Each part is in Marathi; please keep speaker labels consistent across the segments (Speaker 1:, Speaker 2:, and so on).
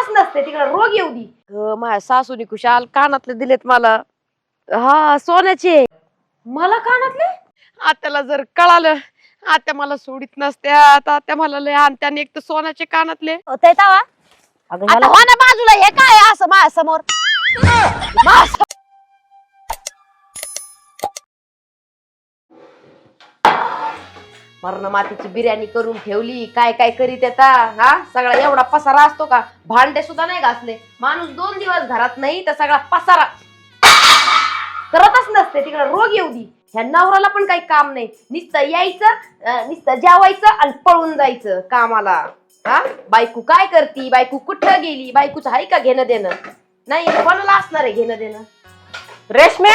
Speaker 1: करतच नसते तिकडे रोग येऊ दी. माझ्या सासूनी कुशाल कानातले दिलेत मला. हा सोन्याचे. मला कानातले? आत्याला जर कळालं आत्या मला सोडित नसत्या. आत्या मला लय आणत्याने एक तर सोन्याचे कानातले.
Speaker 2: होतंय तवा आता हो ना बाजूला हे काय असं माझ्या समोर
Speaker 1: मरण मातीची बिर्याणी करून ठेवली. काय काय करीत येता हा सगळा एवढा पसारा असतो का? भांडे सुद्धा नाही घासले. माणूस 2 दिवस घरात नाही तर सगळा पसारा करतच नसते तिकडे रोग येऊ दी. ह्या नवऱ्याला पण काही काम नाही. नुसतं यायचं नुसतं जेवायचं आणि पळून जायचं कामाला. हा बायको काय करती? बायको कुठं गेली? बायकोचं आहे का घेणं देणं? नाही कोणाला असणार आहे घेणं देणं?
Speaker 3: रेशमे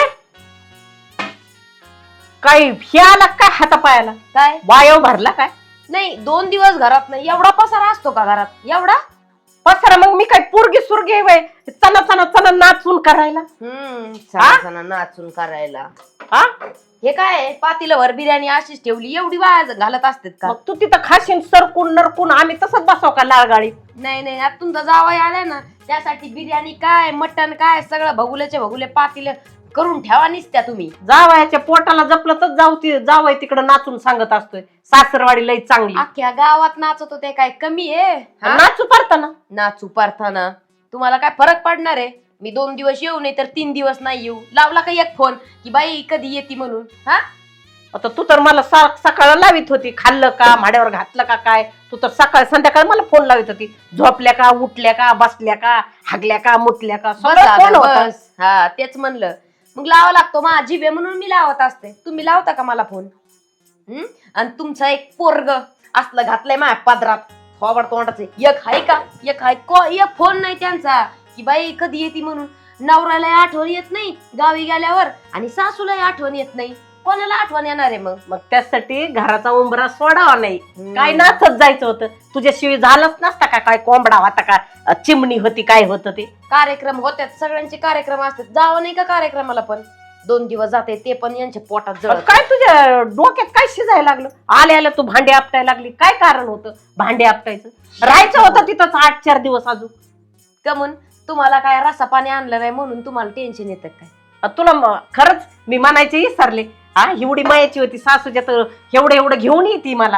Speaker 3: काही आला काय हातापायाला?
Speaker 1: काय
Speaker 3: वायव भरला काय?
Speaker 1: नाही 2 दिवस घरात नाही. एवढा पसारा असतो का घरात? एवढा
Speaker 3: पसारा मग मी काय पोरगी सुरगी वय चना चना चना नाचून करायला?
Speaker 1: सणा नाचून करायला.
Speaker 3: हा
Speaker 1: हे काय पातीलवर बिर्याणी अशीच ठेवली एवढी वाया घालत असतात का?
Speaker 3: मग तू तिथं खाशीन सरकून नरकून आम्ही तसंच बसव का लाळगाळी?
Speaker 1: नाही आता तुमचा जावई आलाय ना त्यासाठी बिर्याणी काय मटण काय सगळं भगुल्याचे भगुले पातीले करून ठेवा निसत्या तुम्ही.
Speaker 3: जावयाच्या पोटाला जपलं तर जावय तिकडं नाचून सांगत असतोय सासरवाडी लई चांगली.
Speaker 1: अख्ख्या गावात नाचत होते काय कमी आहे?
Speaker 3: नाचू पारताना
Speaker 1: नाचू पारताना तुम्हाला काय फरक पडणार आहे? मी 2 दिवस येऊ नाही तर 3 दिवस नाही येऊ. लावला का एक फोन की बाई कधी येते म्हणून? हा
Speaker 3: आता तू तर मला सकाळ लावित होती खाल्लं का भाड्यावर घातलं का काय? तू तर सकाळ संध्याकाळ मला फोन लावित होती. झोपल्या का उठल्या का बसल्या का हागल्या का मुतल्या का फोन होता.
Speaker 1: हा तेच म्हणलं मग लावा लागतो माझी वे म्हणून मी लावत असते. तुम्ही लावता का मला फोन? आणि तुमचा एक पोरग असलं घातलंय माझ्या पदरात थोबड तोंडाचे. एक हाय का? एक हाय एक फोन नाही त्यांचा की बाई कधी येते म्हणून. नवऱ्याला आठवण येत नाही गावी गेल्यावर आणि सासूलाही आठवण येत नाही. कोणाला आठवण येणार आहे मग?
Speaker 3: मग त्यासाठी घराचा उंबरा सोडावा नाही. काय नाचत जायचं होतं? तुझ्याशिवाय झालंच नसता का? काय कोंबडा होता का? चिमणी होती काय होतं ते?
Speaker 1: कार्यक्रम होत्यात सगळ्यांचे कार्यक्रम असतात. जावं नाही का कार्यक्रमाला? पण 2 दिवस जाते ते पण यांच्या पोटात जळत.
Speaker 3: काय तुझ्या डोक्यात काय शिजायला लागलं? आल्या तू भांडे आपटायला लागली. काय कारण होतं भांडे आपटायचं? राहायचं होतं तिथंच 8-4 दिवस अजून.
Speaker 1: कमून तुम्हाला काय रसा पाणी आणलं नाही म्हणून तुम्हाला टेन्शन येतं काय?
Speaker 3: तुला खरंच मी म्हणायचे विसरले. हा एवढी मायाची होती सासूच्या तर एवढं घेऊन येते मला.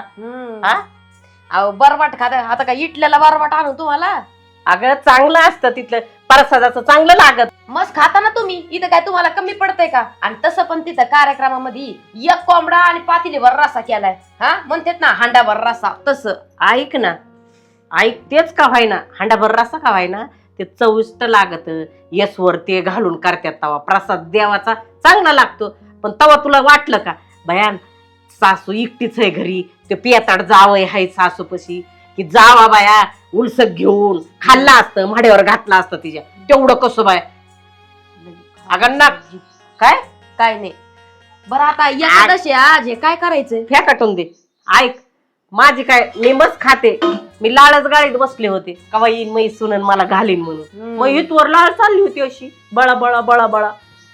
Speaker 1: अहो बरवाट खाता आता काय इटल्याला बरवाट आणू तुम्हाला?
Speaker 3: अगं चांगलं असतं तिथलं प्रसादाचं चांगलं लागत.
Speaker 1: मस्त खाता ना तुम्ही. इथं काय तुम्हाला कमी पडतंय का? आणि तसं पण तिथं कार्यक्रमामध्ये एक कोंबडा आणि पातेलीभर रसा केलाय. हा म्हणतात ना हांडाभर रसा तसं.
Speaker 3: ऐक ना ऐक तेच का व्हायना हांडाभर रसा का व्हायना ते चविष्ट लागत. यसवर ते घालून करतात तवा प्रसाद देवाचा चांगला लागतो. पण तवा तुला वाटलं का भयान सासू एकटीच आहे घरी ते पियाताड जावय हाय सासूपशी की जावा बाया उलसक घेऊन खाल्ला असतं माड्यावर घातला असतं तिच्या तेवढं कसं बाय? अगं ना काय
Speaker 1: काय नाही. बरं आता एकादशी आज हे काय करायचंय?
Speaker 3: फेकाटून दे. ऐक माझी काय मी मस्त खाते. मी लाळच गाडीत बसले होते कवा येईन मै सुनन मला घालीन म्हणून. मग इथवर लाळ चालली होती अशी बळा बळा बळा बळा.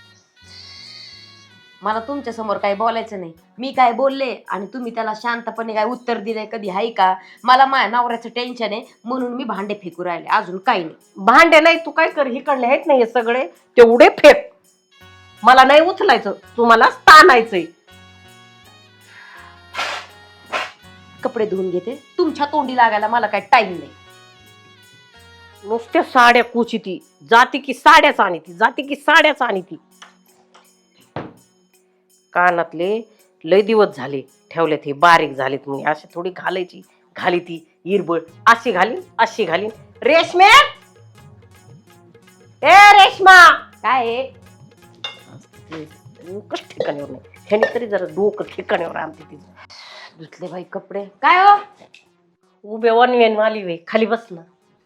Speaker 1: मला तुमच्या समोर काही बोलायचं नाही. मी काय बोलले आणि तुम्ही त्याला शांतपणे काय उत्तर दिलंय कधी हाय का? मला माझ्या नवऱ्याचं टेन्शन आहे म्हणून मी भांडे फेकू राहिले. अजून काही नाही.
Speaker 3: भांडे नाही तू काय कर हिकडले आहेत नाही सगळे तेवढे फेक. मला नाही उचलायचं तुम्हाला ताणायचंय.
Speaker 1: कपडे धुवून घेते. तुमच्या तोंडी लागायला मला काही टाइम नाही.
Speaker 3: नुसत्या साड्या कुची ती जाती की साड्याच आणि ती जाती की साड्याच आणि ती. कानातले लय दिवस झाले ठेवलेत हे बारीक झालेत म्हणजे अशी थोडी घालायची घाली ती इरबळ अशी घालीन अशी घालीन. रेशमे ए रेशमा
Speaker 1: काय
Speaker 3: कश ठिकाणीवर नाही ह्यानी तरी जरा डोकं ठिकाणीवर आणते तिचं.
Speaker 1: धुतले बाई कपडे. काय हो
Speaker 3: उभे वनवेन आली वे खाली बस ना.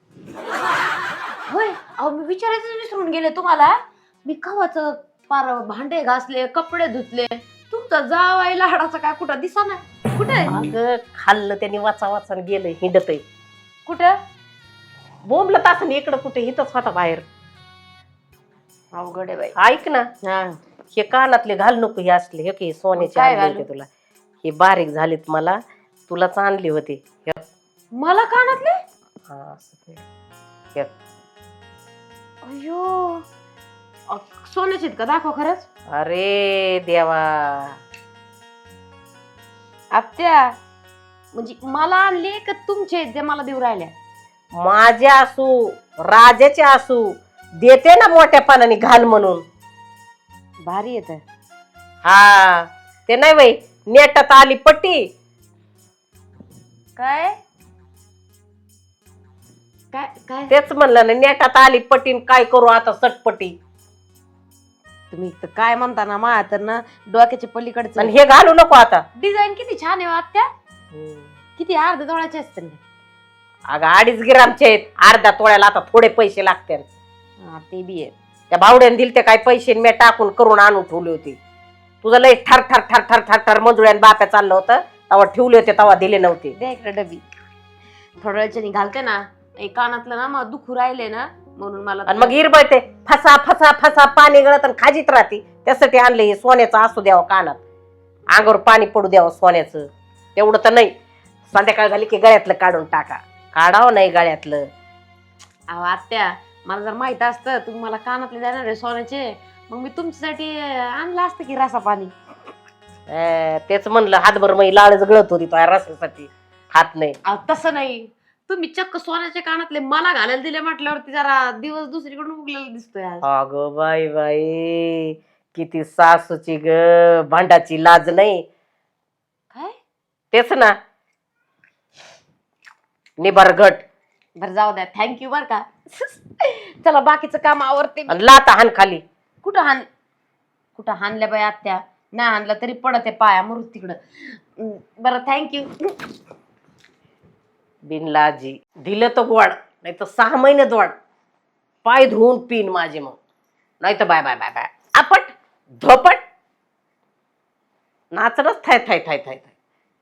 Speaker 1: होय अहो मी विचारायचं विसरून गेले तुम्हाला. मी कवाच पार भांडे घासले कपडे धुतले. तुमचा जावाई लाडाचा काय कुठं दिसा ना? कुठे
Speaker 3: अगं खाल्लं त्याने वाचा वाचा गेलं हिंडत आहे.
Speaker 1: कुठं
Speaker 3: बोंबलं तास इकडं कुठे हिथच होता बाहेर.
Speaker 1: अवघड आहे बाई.
Speaker 3: ऐक ना हे कानातले घाल नको हे असले हे की सोन्याचे आणले तुला हे बारीक झालेत मला तुलाच आणले होते.
Speaker 1: मला कानातले?
Speaker 3: हा असं हे.
Speaker 1: अयो सोन्याचे आहेत का? दाखव खरंच.
Speaker 3: अरे देवा,
Speaker 1: आत्या म्हणजे मला आणले का तुमचे आहेत जे मला देऊ राहिल्या?
Speaker 3: माझ्या असू राजाचे असू देते ना मोठ्या पानाने घाल म्हणून.
Speaker 1: भारी येत.
Speaker 3: हा ते नाही बाई, नेटात आली पट्टी.
Speaker 1: काय काय काय
Speaker 3: तेच म्हणलं ना, नेटात आली पट्टी. काय करू आता सटपटी.
Speaker 1: तुम्ही तर काय म्हणता ना, मा तर ना डोक्याच्या पलीकडचं.
Speaker 3: आणि हे घालू नको आता.
Speaker 1: डिझाईन किती छान आहे हो आत्या. किती अर्ध्या तोळ्याचे असते ना.
Speaker 3: अगं 2.5 ग्रामचे आहेत. अर्ध्या तोळ्याला आता थोडे पैसे लागतील.
Speaker 1: ते बी आहे.
Speaker 3: त्या भावड्याने दिले ते काय पैसे मी टाकून करून आणून ठेवले होते. तुझं लय ठर ठर ठर ठर ठर ठर मंजुळ्यान बाप्या चाललं होतं तेव्हा ठेवले होते, तेव्हा दिले नव्हते.
Speaker 1: द्या इकडे डबी. थोड्या वेळच्यानी घालते ना. एक कानातलं ना मग दुखू राहिले ना म्हणून मला.
Speaker 3: आणि मग इरबळते फसा फसा फसा पाणी गळत आणि खाजीत राहते. त्यासाठी आणले हे सोन्याचं असू द्यावं कानात, अंगावर पाणी पडू द्यावं सोन्याचं. तेवढं तर नाही. संध्याकाळ झाली की गळ्यातलं काढून टाका. काढावं नाही गळ्यातलं.
Speaker 1: अहो आत्या, मला जर माहित असतं तुम्ही मला कानातले देणार आहे सोन्याचे, मग मी तुमच्यासाठी आणलं असतं की रसा पाणी.
Speaker 3: तेच म्हणलं, हातभर मग लाळच गळत होती तो रसासाठी. हात नाही.
Speaker 1: तसं नाही, तुम्ही चक्क सोन्याच्या कानातले मला घालायला दिले म्हटल्यावरती जरा दिवस दुसरीकडून उगलेला दिसतोय आज.
Speaker 3: अगं बाई बाई, किती सासूची ग भांडाची लाज नाही.
Speaker 1: काय?
Speaker 3: तेच ना, निबरगट.
Speaker 1: बरं जाऊ द्या, थँक्यू बर का. चला बाकीचं काम आवरते.
Speaker 3: लाता हान खाली.
Speaker 1: कुठं हाणल्या बाई आत्या? नाही हाणला तरी पडत आहे पाया मरू तिकडं. बरं थँक्यू.
Speaker 3: बिनलाजी दिलं तर गोड, नाही तर 6 महिने दोड. पाय धुवून पिन माझे मग, नाही तर बाय बाय बाय बाय आपट धोपट नाचणच थाय थाय थाय थाय थाय.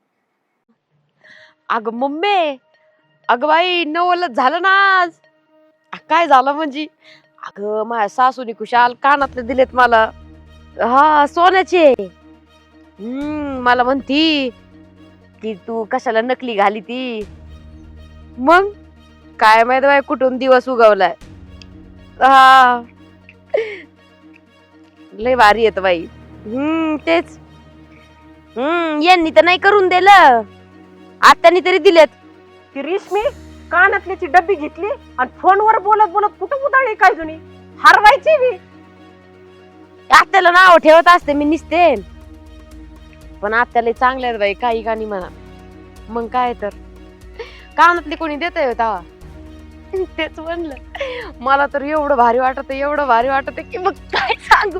Speaker 1: अगं मम्मी, अगं बाई नवलच झालं ना आज. काय झालं म्हणजे, अगं माझ्या सासूनी खुशाल कानातले दिलेत मला. हा सोन्याचे. मला म्हणती की तू कशाला नकली घाली ती. मग काय माहित बाई कुठून दिवस उगवलाय. हा लय भारी येत बाई. तेच. यांनी तर नाही करून दिलं, आत्यानी तरी दिलेत.
Speaker 3: ती रेशमी कानातल्याची डब्बी घेतली आणि फोनवर बोलत बोलत कुठं उदाळली काय जुनी हरवायची मी.
Speaker 1: आत्याला नाव ठेवत असते मी निसते, पण आत्याला चांगले आहेत बाई, काही गाणी म्हणा. मग काय तर कानातली कोणी देत होता. तेच म्हणलं, मला तर एवढं भारी वाटत, एवढं भारी वाटत की मग काय सांगू.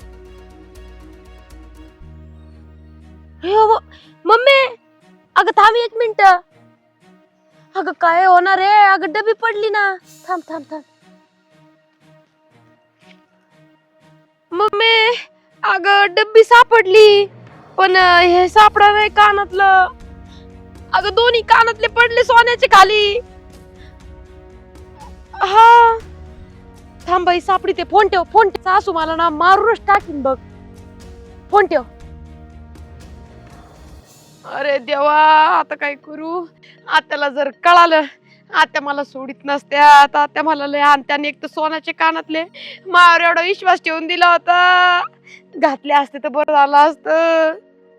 Speaker 1: मम्मी अगं थांब 1 मिनिट. अगं काय होणार आहे, अगं डबी पडली ना. थांब थांब थांब. मम्मी अगं डब्बी सापडली, पण हे सापडा नाही कानातलं. अगं दोन्ही कानातले पडले सोन्याचे खाली. हा थांब बाई सापडी ते. फोन ठेव, फोन ठेव. सासू मला ना मारूनच टाकीन बघ. फोन ठेव. अरे देवा, आता काय करू. आत्याला जर कळालं, आत्या मला सोडित नसत्या. आत्या मला लय आणत्याने. एक तर सोन्याचे कानातले मार एवढा विश्वास ठेवून दिला होता. घातले असते तर बरं झालं असतं.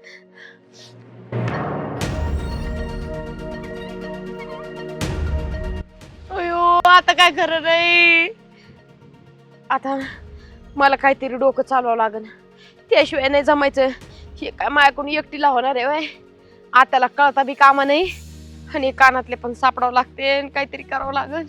Speaker 1: अयो आता काय खरं नाही. आता मला काहीतरी डोकं चालवावं लागेल, त्याशिवाय नाही जमायचं. हे काय माझ्याकडून एकटीला होणार आहे वय. आत्याला कळता बी कामा नाही, आणि कानातले पण सापडावं लागते, काहीतरी करावं लागेल.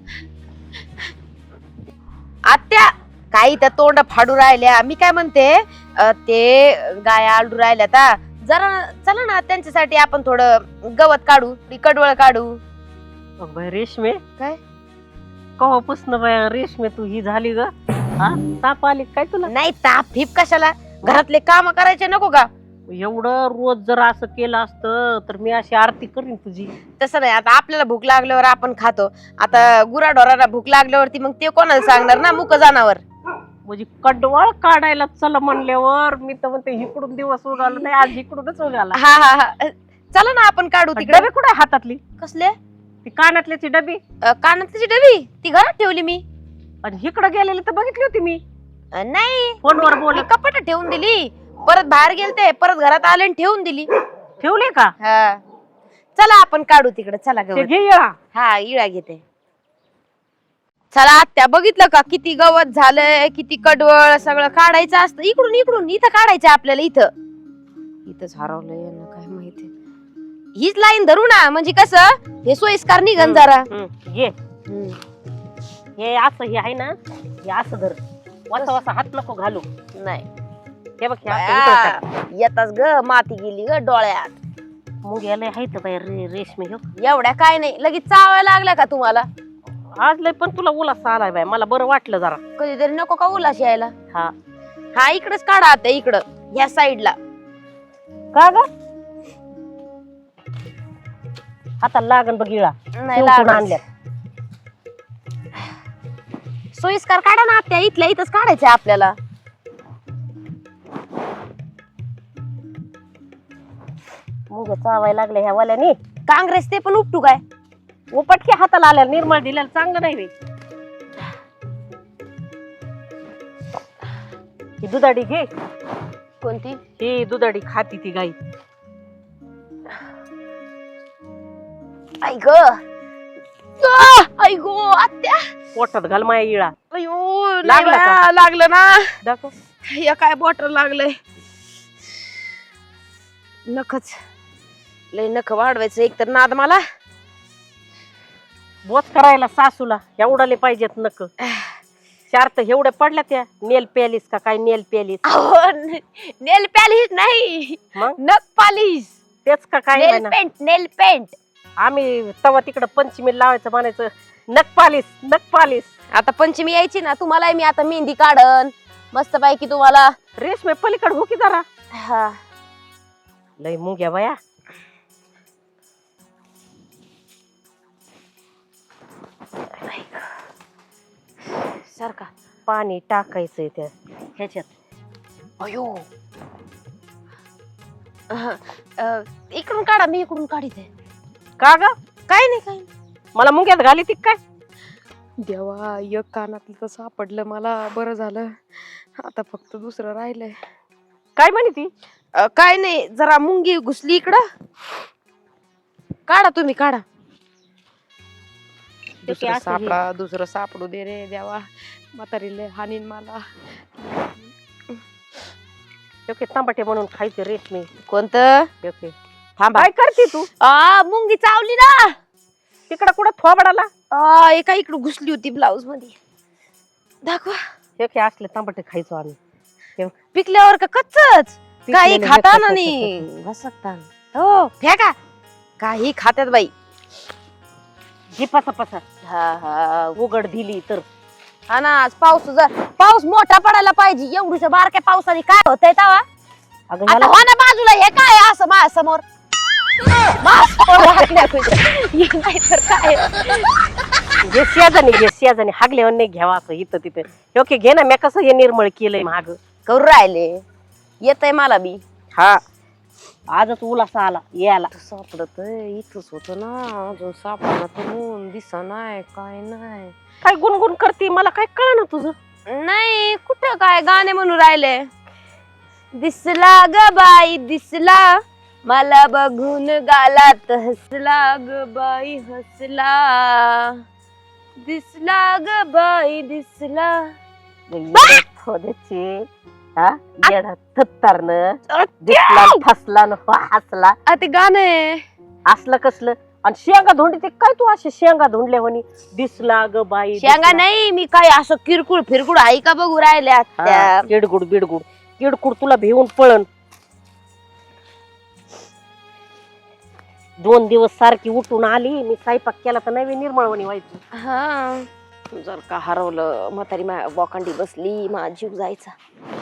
Speaker 1: आत्या काही त्या तोंड फाडू राहिल्या. मी काय म्हणते, ते गाया आलडू राहिल्या आता. जरा चला ना त्यांच्यासाठी आपण थोडं गवत काढू, कडवळ काढू.
Speaker 3: रेशमे
Speaker 1: काय
Speaker 3: कवापासून बाया रेशमे तू ही झाली ग? हा ताप आली काय तुला?
Speaker 1: नाही ताप फिप कशाला, घरातले काम करायचे नको का?
Speaker 3: एवढं रोज जर असं केलं असतं तर मी अशी आरती करीन तुझी.
Speaker 1: तसं नाही, आता आपल्याला भूक लागल्यावर आपण खातो. आता गुराढोराला भूक लागल्यावरती मग ते कोणाला सांगणार ना, मुक जनावर.
Speaker 3: म्हणजे कडवळ काढायला चल म्हणल्यावर मी तर म्हणते इकडून दिवस उगाला नाही, आज इकडूनच उगाला.
Speaker 1: हा हा हा चला ना आपण काढू. तिकडे
Speaker 3: डबे कुठे हातातली?
Speaker 1: कसले?
Speaker 3: ती कानातल्याची डबी
Speaker 1: कानातली डबी ती घरात ठेवली मी.
Speaker 3: आणि इकडं गेलेली तर बघितली होती मी
Speaker 1: नाही
Speaker 3: फोनवर बोल.
Speaker 1: मी कपाट ठेवून दिली, परत बाहेर गेलते, परत घरात आले आणि ठेवून दिली.
Speaker 3: ठेवली का?
Speaker 1: हा चला आपण काढू तिकडे. चला
Speaker 3: ते
Speaker 1: गवत.
Speaker 3: घे येळा.
Speaker 1: हा इळा घेते. चला आत्या बघितलं का किती गवत झालंय, किती कडवळ सगळं काढायचं असतं. इकडून इकडून इथं काढायचं आपल्याला. इथंच हरवलंय यांना काय माहिती. हीच लाईन धरू ना, म्हणजे कसं हे सोयीस्कार निघन जरा.
Speaker 3: घे हे असं हे आहे ना, हे असं धर. वासा वासा हात नको घालू.
Speaker 1: नाही
Speaker 3: हे बघ हे असं इकडं टाक.
Speaker 1: येताच ग माती गेली ग डोळ्यात.
Speaker 3: मग याला आहे तर बाई रेशमी हो.
Speaker 1: एवढ्या काय नाही, लगेच चावायला लागल्या का तुम्हाला?
Speaker 3: आज लय पण तुला उलासा आलाय बाय, मला बरं वाटलं जरा.
Speaker 1: कधीतरी नको का उलाश यायला?
Speaker 3: हा
Speaker 1: हा इकडेच काढा आता, इकडं ह्या साईडला.
Speaker 3: का ग आता लागन बघ इळा.
Speaker 1: नाही
Speaker 3: शिवपून
Speaker 1: लागत.
Speaker 3: आणल्या.
Speaker 1: सोयीस्कार काढा ना आत्या, इथल्या इथंच काढायचंय आपल्याला.
Speaker 3: मुग चावायला लागले ह्या वाल्यानी.
Speaker 1: काँग्रेस ते पण उपटू काय?
Speaker 3: उपटके हाताला आल्या, निर्मळ दिल्याला चांगलं नाही रे. ही दुधाडी घे.
Speaker 1: कोणती?
Speaker 3: ही दुधाडी खाती ती गाई.
Speaker 1: ऐक ऐक आत्या.
Speaker 3: पोटात घाल माया इळा.
Speaker 1: अयो
Speaker 3: लागलं का?
Speaker 1: लागलं ना.
Speaker 3: दाखव.
Speaker 1: या काय बॉटल लागलंय. नखच लय नख वाढवायचं एक तर नाद मला.
Speaker 3: बोच करायला सासूला एवढाले पाहिजेत नक. चार तर एवढे पडल्या त्या. नेल पॅलिस का काय? नेल पॅलिस
Speaker 1: नेल पॉलिश नाही,
Speaker 3: मग
Speaker 1: नख पॉलिश.
Speaker 3: तेच का काय?
Speaker 1: Nail paint, nail paint.
Speaker 3: आम्ही तवा तिकडं पंचमी लावायचं म्हणायचं नख पालिस, नख पालिस.
Speaker 1: आता पंचमी यायची ना, तुम्हाला मी आता मेहंदी काढन मस्त पैकी तुम्हाला.
Speaker 3: रेशमे पलीकडे हो की जरा.
Speaker 1: हा
Speaker 3: लय मुंग्या बाया.
Speaker 1: सारखा
Speaker 3: पाणी टाकायचंय त्या ह्याच्यात.
Speaker 1: अयो इकडून काढा, मी इकडून काढीते.
Speaker 3: का ग?
Speaker 1: काय नाही काय नाही.
Speaker 3: मला मुंग्यात घाली ती काय?
Speaker 1: देवा एक कानातलं तर सापडलं मला, बरं झालं. आता फक्त दुसरं राहिलंय.
Speaker 3: काय म्हणे ती?
Speaker 1: काय नाही, जरा मुंगी घुसली इकडं. काढा तुम्ही काढा. दुसरं
Speaker 3: असं
Speaker 1: सापडा, दुसरं सापडू दे रे देवा. म्हातारीले हानीन मला.
Speaker 3: ओके तांबटे म्हणून खायचे रेशमी.
Speaker 1: कोणतं?
Speaker 3: ओके
Speaker 1: थांबा.
Speaker 3: काय करते तू?
Speaker 1: मुंगी चावली ना.
Speaker 3: तिकडं कुठं थोबडाला?
Speaker 1: एका इकडं घुसली होती ब्लाऊज मध्ये. दाखवा.
Speaker 3: ओके असले तांबटे खायचो आम्ही.
Speaker 1: पिकल्यावर का कच्चच? काही
Speaker 3: पिकलेले
Speaker 1: खाता
Speaker 3: कच्चं
Speaker 1: ना नाही घसकता. हो फेका. काही खात्यात बाई.
Speaker 3: जी पसा पसा
Speaker 1: हा हा
Speaker 3: उघड दिली तर.
Speaker 1: हा ना, आज पाऊस मोठा पडायला पाहिजे. एवढीच्या बारक्या पावसाने काय होतंय तवा? आता हो ना बाजूला. हे काय असं माझ्या समोर? काय
Speaker 3: जे शेजानी हागल्यावर नाही घ्यावा असं इथं तिथं. ओके घे ना, मी कसं हे निर्मळ केलंय माग.
Speaker 1: करू राहिले. येतय मला बी.
Speaker 3: हा आजच उलासा आला यायला.
Speaker 1: सापडत इथंच होत ना, अजून सापडणार तर दिसा नाही काय नाही.
Speaker 3: काय गुणगुण करते मला काय कळना तुझं.
Speaker 1: नाही कुठं काय गाणे म्हणून राहिले. दिसला ग बाई दिसला, मला बघून गालात हसला ग बाई हसला. दिसला ग बाई दिसला.
Speaker 3: दिसला फसला न हसला.
Speaker 1: ते गाणं
Speaker 3: असलं कसलं. आणि शेंगा धोंडी ते काय तू असे शेंगा धोंडल्या म्हणे. दिसला ग बाई
Speaker 1: शेंगा नाही, मी काय असं किरकुळ फिरकुळ आहे का बघू राहिल्या.
Speaker 3: किडगुड बिडगुड किडकुड तुला भिवून पळण. 2 दिवस सारखी उठून आली मी, स्वयंपाक केला तर नवी निर्मळवणी व्हायची.
Speaker 1: हा जर का हरवलं, म्हातारी बोकांडी बसली, माझा जीव जायचा.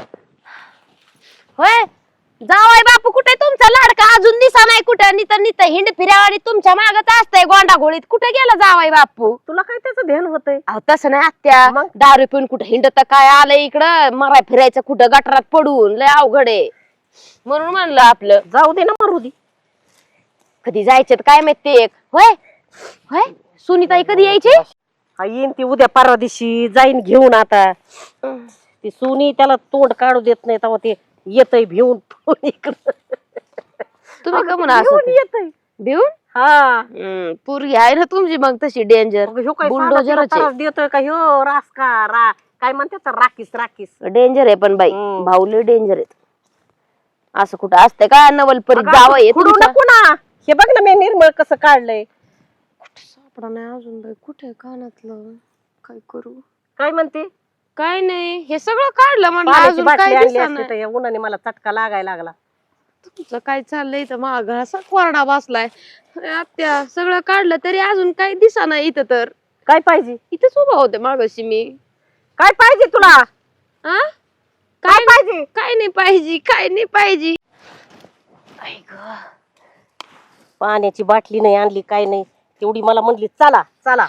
Speaker 1: होय जावाय बापू कुठे तुमचा लाडका? अजून दिसा नाही कुठं. नित हिंड फिरावाडी तुमच्या मागच असतंय गोंडा घोळीत. कुठे गेला जावाय बापू?
Speaker 3: तुला काय त्याचं ध्यान होतंय?
Speaker 1: तसं नाही आत्या,
Speaker 3: मग?
Speaker 1: दारू पिऊन कुठं हिंडत काय आलंय इकडं मराय फिरायचं कुठं गटारात पडून. लय अवघड आहे म्हणून म्हणलं आपलं
Speaker 3: जाऊ दे ना, मारू दे.
Speaker 1: कधी जायचं काय माहिती. होय होय सुनीताई कधी यायची?
Speaker 3: हा येईन ती उद्या परवा दिवशी जाईन घेऊन. आता ती सोनी त्याला तोंड काढू देत नाही तेव्हा ते येतय भिवून इकडं.
Speaker 1: तुम्ही का म्हणा
Speaker 3: भिवून येतय.
Speaker 1: भिवून?
Speaker 3: हा
Speaker 1: पोरगी आहे ना तुमची मग तशी डेंजर.
Speaker 3: मग ह्यो काय
Speaker 1: बुलडोझरच आहे.
Speaker 3: त्रास देतोय का ह्यो? रास का काय म्हणते राखीस राखीस.
Speaker 1: डेंजर आहे पण बाई भाऊले डेंजर आहेत. असं कुठं असतं का नवलपरी
Speaker 3: अगं,
Speaker 1: जावं
Speaker 3: असं खुडू नको ना. हे बघ ना मी निर्मळ कसं काढलंय.
Speaker 1: सापडा नाही अजून बाई. कुठे कानातलं? काय करू?
Speaker 3: काय म्हणते?
Speaker 1: काय नाही हे सगळं काढलं म्हणलं
Speaker 3: पाण्याची
Speaker 1: अजून
Speaker 3: बाटली
Speaker 1: काय
Speaker 3: आणली
Speaker 1: दिसेना.
Speaker 3: असती तर या उन्हाने मला चटका लागायला लागला.
Speaker 1: तुमचं काय चाललंय तर माग असा कोरडा बसलाय. आत्या सगळं काढलं तरी अजून काही दिसेना इथं. तर
Speaker 3: काय पाहिजे?
Speaker 1: इथंच उभा होते मागाशी मी.
Speaker 3: काय पाहिजे तुला?
Speaker 1: आ?
Speaker 3: काय पाहिजे?
Speaker 1: काय नाही पाहिजे. काय नाही पाहिजे. आई गं.
Speaker 3: पाण्याची बाटली नाही आणली काय नाही. तेवढी मला म्हणली चला चला.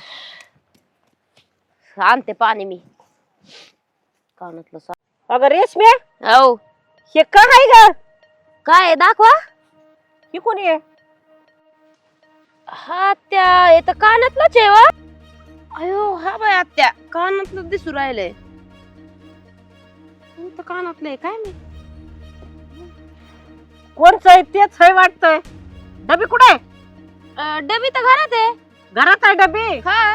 Speaker 1: आणते पाणी मी. कानातलं
Speaker 3: अगं रेशमे
Speaker 1: हो
Speaker 3: हे काय आहे ग?
Speaker 1: काय आहे दाखवा.
Speaker 3: ही कोणी आहे?
Speaker 1: हा आत्या हे तर कानातलंच आहे वा. अयो हा बाय आत्या कानातलं दिसू राहिलंय. कोणतं कानातलं आहे काय नाही.
Speaker 3: कोणचं आहे तेच आहे वाटतंय. डबी कुठे आहे?
Speaker 1: डबी तर घरात आहे.
Speaker 3: घरात आहे डबी.
Speaker 1: हा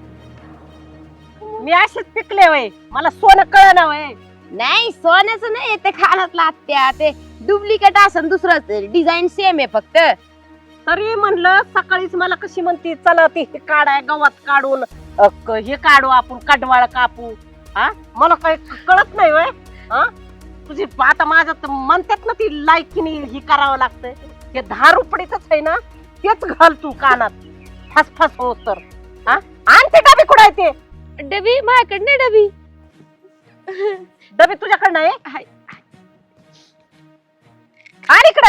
Speaker 3: मी असेच पिकले वय. मला सोनं कळना वय.
Speaker 1: नाही सोन्याचं नाही ते कानातलं आत्या. ते डुप्लिकेट असन दुसरंच डिझाईन सेम आहे फक्त.
Speaker 3: तरी म्हणलं सकाळीच मला कशी म्हणती चला ते हे काढाय गवत काढून हे काढू आपण कडवाळ कापू. हा मला काही कळत नाही वय. हा तुझी आता माझं तर म्हणतात ना ती लायकीने ही करावं लागतंय. हे 10 रुपयाच आहे ना तेच घाल तू कानात फसफस हो तर. हा आण ते डबी कुठे आहे ते?
Speaker 1: डबी माझ्याकडे नाही डबी.
Speaker 3: डबी तुझ्याकडनं आहे?
Speaker 1: हाय.
Speaker 3: आण इकडं.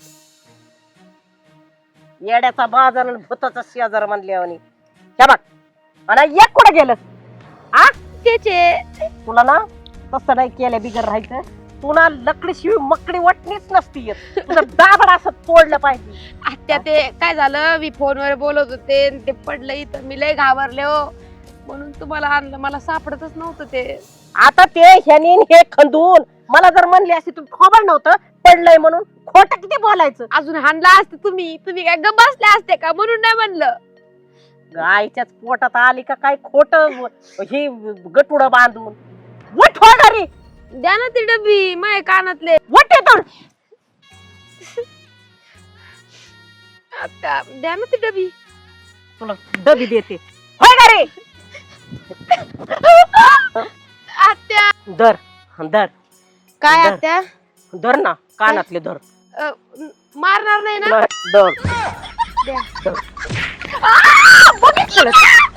Speaker 3: येड्याचा बाजार आणि भूताचा शेजार म्हणल्यावानी. हे बघ आणि एक कुठं गेलं? आ
Speaker 1: त्याचे
Speaker 3: तुला ना तसं नाही केलं बिगर राहायचं. तू ना लकडी शिवी मकडी वाटणीच नसती येत. तुझं दाबड असं तोडलं पाहिजे.
Speaker 1: आत्या ते काय झालं मी फोनवर बोलत होते आणि ते पडलं इथं. मी लय घाबरले हो म्हणून तुम्हाला आणलं. मला सापडतच नव्हतं ते.
Speaker 3: आता ते ह्यानी हे खंदून मला जर म्हणले असते तू खबर नव्हतं पडलंय म्हणून. खोटं किती बोलायचं.
Speaker 1: अजून हाणला असते तुम्ही. तुम्ही काय गप्प बसले असते का म्हणून नाही म्हणलं.
Speaker 3: गायच्याच पोटात आली का काय खोट हे गटुड बांधून. वट हो घरी.
Speaker 1: द्या ना ती डबी माझ्या कानातले.
Speaker 3: वट येतो.
Speaker 1: आत्या द्या ना ती डबी.
Speaker 3: तुला डबी देते. होय घरी.
Speaker 1: आत्या
Speaker 3: धर धर
Speaker 1: काय
Speaker 3: धर.
Speaker 1: आत्या
Speaker 3: धर ना कानातले धर.
Speaker 1: मारणार नाही ना?
Speaker 3: धर
Speaker 1: द्या.
Speaker 3: बघितलं